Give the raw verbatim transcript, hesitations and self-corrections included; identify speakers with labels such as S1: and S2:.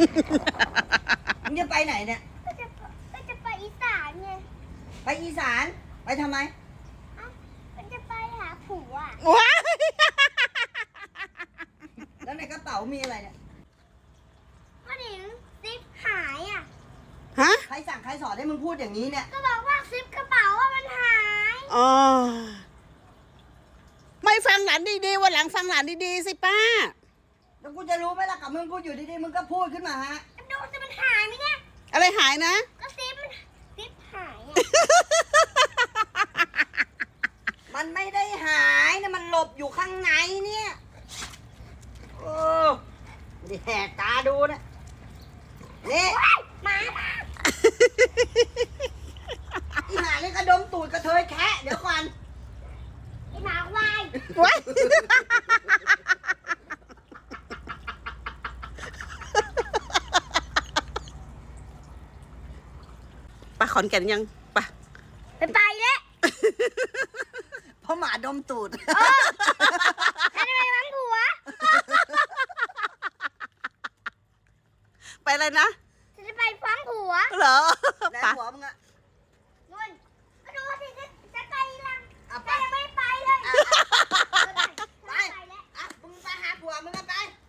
S1: มึงจะไปไหนเนี่ย
S2: ก็จะก็จะไปอีสานไง
S1: ไปอีสานไปทำไม
S2: อ้าวก็จะไปหาผัว
S3: ว้า
S1: แล้วในกระเป๋ามีอะไรเนี่ย
S2: พ่อหนิงซิปหายอ่ะ
S3: ฮะ
S1: ใครสั่งใครสอนให้มึงพูดอย่างนี้เนี่ย
S2: ก็บอกว่าซิปกระเป๋าว่ามันหาย
S3: อ๋อไม่ฟังหลานดีๆวันหลังฟังหลานดีๆสิป้า
S1: แล้วกูจะรู้ไหมล่ะกับมึงพูดอยู่ดีๆมึงก็พูดขึ้นมาฮะ
S2: ดูจะมันหายไหมเนี่ย
S3: อะไรหายนะ
S2: ก็ซิปมันซิปหายอ่ะ
S1: มันไม่ได้หายนะมันหลบอยู่ข้างในเนี่ยโอ้ดิแหกตาดูนะนี่
S2: หมามา
S1: อีหานี่กระดมตูดกระเทยแคะเดี๋ยวก่อน
S2: ไอหมาควาย
S3: ว้ายไปขอนแก่นยังไป
S2: ไปไปแล้ว
S1: เพราะหมาดมตูด
S2: ฉันจะไปวังผัว
S3: ไปอะไรนะ
S2: ฉันจะไปฟังผัว
S3: เหรอ
S1: แล้ว
S3: ไป
S1: หัวมึงอะ
S2: นุ่นก็ดูสิจะจะไปลัง
S1: เอาไป
S2: แต่ยังไม่ไปเลย
S1: ไป
S2: ไปแล้ว
S1: อ่ะมึงไปหาผัวมึงกันไป